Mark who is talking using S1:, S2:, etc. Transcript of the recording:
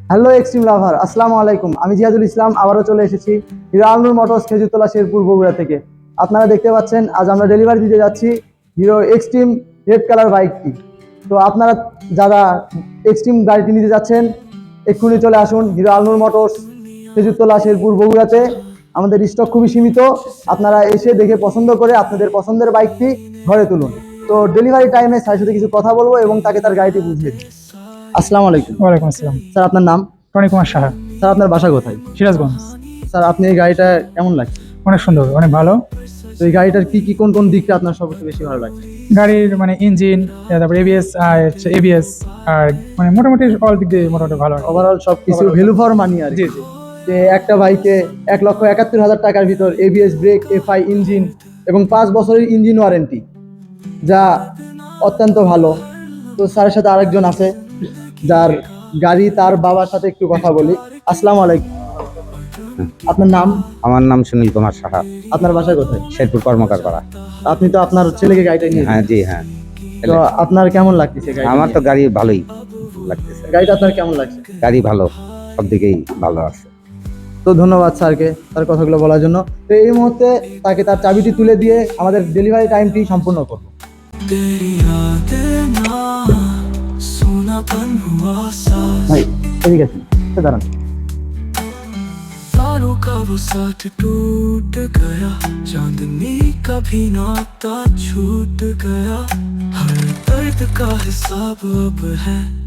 S1: Hello extreme lover, আসসালামু আলাইকুম। আমি জিয়াদুল ইসলাম আবারও চলে এসেছি হিরো আলনুর মোটরস খেজুরতলা শেরপুর বগুড়া থেকে। আপনারা দেখতে পাচ্ছেন আজ আমরা ডেলিভারি দিতে যাচ্ছি হিরো এক্সট্রিম রেড কালার বাইকটি। তো আপনারা যারা এক্সট্রিম গাড়িটি নিতে যাচ্ছেন এক্ষুনি চলে আসুন হিরো আলনুর মোটরস খেজুরতলা শেরপুর বগুড়াতে। আমাদের স্টক খুবই সীমিত, আপনারা এসে দেখে পছন্দ করে আপনাদের পছন্দের বাইকটি ঘরে তুলুন। তো ডেলিভারি টাইমে স্যারের সাথে কিছু কথা বলবো এবং তাকে তার গাড়িটি বুঝিয়ে দিই। আসসালামু আলাইকুম।
S2: ওয়ালাইকুম আসসালাম।
S1: স্যার আপনার নাম?
S2: টনি কুমার সাহা,
S1: স্যার আপনার বাসা কোথায়?
S2: সিরাজগঞ্জ।
S1: স্যার আপনি এই গাড়িটা কেমন লাগছে?
S2: অনেক সুন্দর, অনেক ভালো।
S1: তো এই গাড়িটার কি কোন কোন দিকটা আপনার সবচেয়ে বেশি ভালো লাগছে?
S2: গাড়ির মানে ইঞ্জিন, তারপর এবিএস আর এবিএস, আর মানে মোটামুটি অল দিক দিয়ে মোটামুটি ভালো।
S1: ওভারঅল সব কিছু ভ্যালু ফর মানি আর
S2: জি
S1: কি।
S2: জি।
S1: যে একটা বাইকে 1,71,000 টাকার ভিতর এবিএস ব্রেক, এফআই ইঞ্জিন এবং 5 বছরের ইঞ্জিন ওয়ারেন্টি, যা অত্যন্ত ভালো। তো স্যারের সাথে আরেকজন আছে যার গাড়ি, তার বাবার সাথে একটু কথা বলি। আসসালামু আলাইকুম। আপনার নাম?
S3: আমার নাম সুনীল কুমার সাহা,
S1: আপনার বাসা কোথায়?
S3: শেরপুর কর্মকার পাড়া।
S1: আপনি তো আপনার ছেলেকে গাড়িটা নিয়ে
S3: হ্যাঁ জি হ্যাঁ।
S1: তো আপনার কেমন লাগতেছে গাড়ি?
S3: আমার তো গাড়ি ভালোই লাগতেছে,
S1: গাড়িটা আপনার কেমন লাগছে?
S3: গাড়ি ভালো, সব দিকেই ভালো আছে।
S1: তো ধন্যবাদ স্যারকে তার কথাগুলো বলার জন্য। তো এই মুহূর্তে তাকে তার চাবিটি তুলে দিয়ে আমাদের ডেলিভারি টাইমটি সম্পূর্ণ করব। ভাই এদিকে আসুন, দাঁড়ান।
S4: तारों का वो साथ टूट गया, चांदनी का भी नाता छूट गया, हर दर्द का हिसाब अब है